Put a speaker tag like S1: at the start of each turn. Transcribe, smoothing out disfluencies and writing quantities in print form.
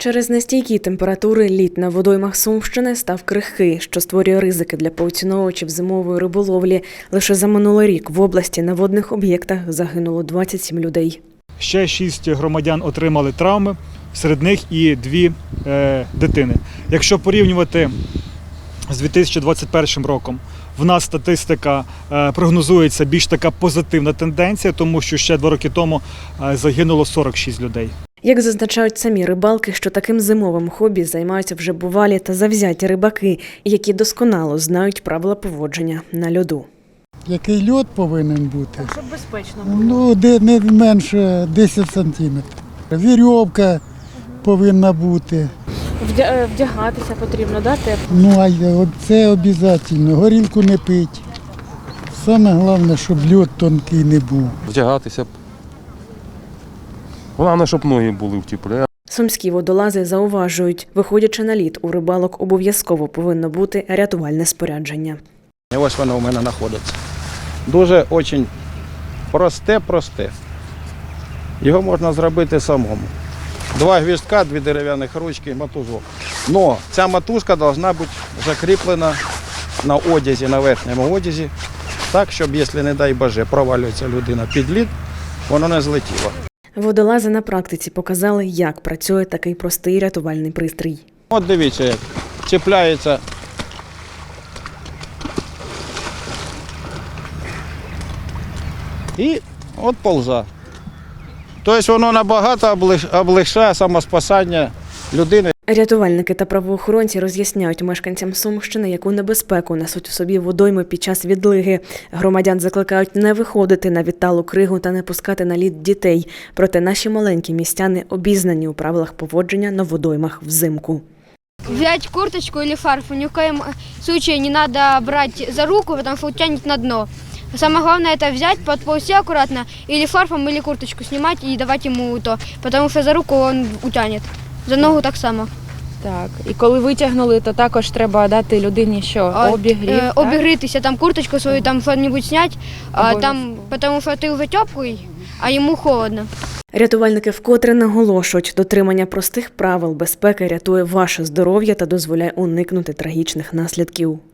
S1: Через нестійкі температури лід на водоймах Сумщини став крихкий, що створює ризики для поціновувачів зимової риболовлі. Лише за минулий рік в області на водних об'єктах загинуло 27 людей.
S2: Ще 6 громадян отримали травми, серед них і 2 дитини. Якщо порівнювати з 2021 роком, в нас статистика прогнозується більш така позитивна тенденція, тому що ще 2 роки тому загинуло 46 людей.
S1: Як зазначають самі рибалки, що таким зимовим хобі займаються вже бувалі та завзяті рибаки, які досконало знають правила поводження на льоду.
S3: Який льод повинен бути?
S1: Так, щоб безпечно було.
S3: Ну, де не менше 10 сантиметрів. Вірьовка повинна бути.
S1: Вдягатися потрібно, да, тепло?
S3: Ну, а це обов'язково. Горілку не пить. Саме головне, щоб льод тонкий не був.
S4: Вдягатися. Головне, щоб ноги були в теплі.
S1: Сумські водолази зауважують, виходячи на лід, у рибалок обов'язково повинно бути рятувальне спорядження.
S5: І ось воно у мене знаходиться. Дуже дуже просте. Його можна зробити самому. 2 гвіздка, 2 дерев'яних ручки, мотузок. Но ця мотузка повинна бути закріплена на одязі, на верхньому одязі, так, щоб, якщо, не дай Боже, провалюється людина під лід, воно не злетіло.
S1: Водолази на практиці показали, як працює такий простий рятувальний пристрій.
S5: От дивіться, як чіпляється і от полза. Тобто воно набагато облегшає самоспасання людини.
S1: Рятувальники та правоохоронці роз'ясняють мешканцям Сумщини, яку небезпеку несуть у собі водойми під час відлиги. Громадян закликають не виходити на відталу кригу та не пускати на лід дітей. Проте наші маленькі містяни обізнані у правилах поводження на водоймах взимку.
S6: Взять курточку или фарфу ни в коем случае не надо брать за руку, потому что утянет на дно. Самое главное это взять, подползти аккуратно, или фарфом, или курточку снимать и давать ему то, потому что за руку он утянет, за ногу так само.
S7: Так, і коли витягнули, то також треба дати людині що? Обігрів, так?
S6: Обігрітися, там курточку свою, там що-небудь зняти, там, тому що ти вже теплий, а йому холодно.
S1: Рятувальники вкотре наголошують, дотримання простих правил безпеки рятує ваше здоров'я та дозволяє уникнути трагічних наслідків.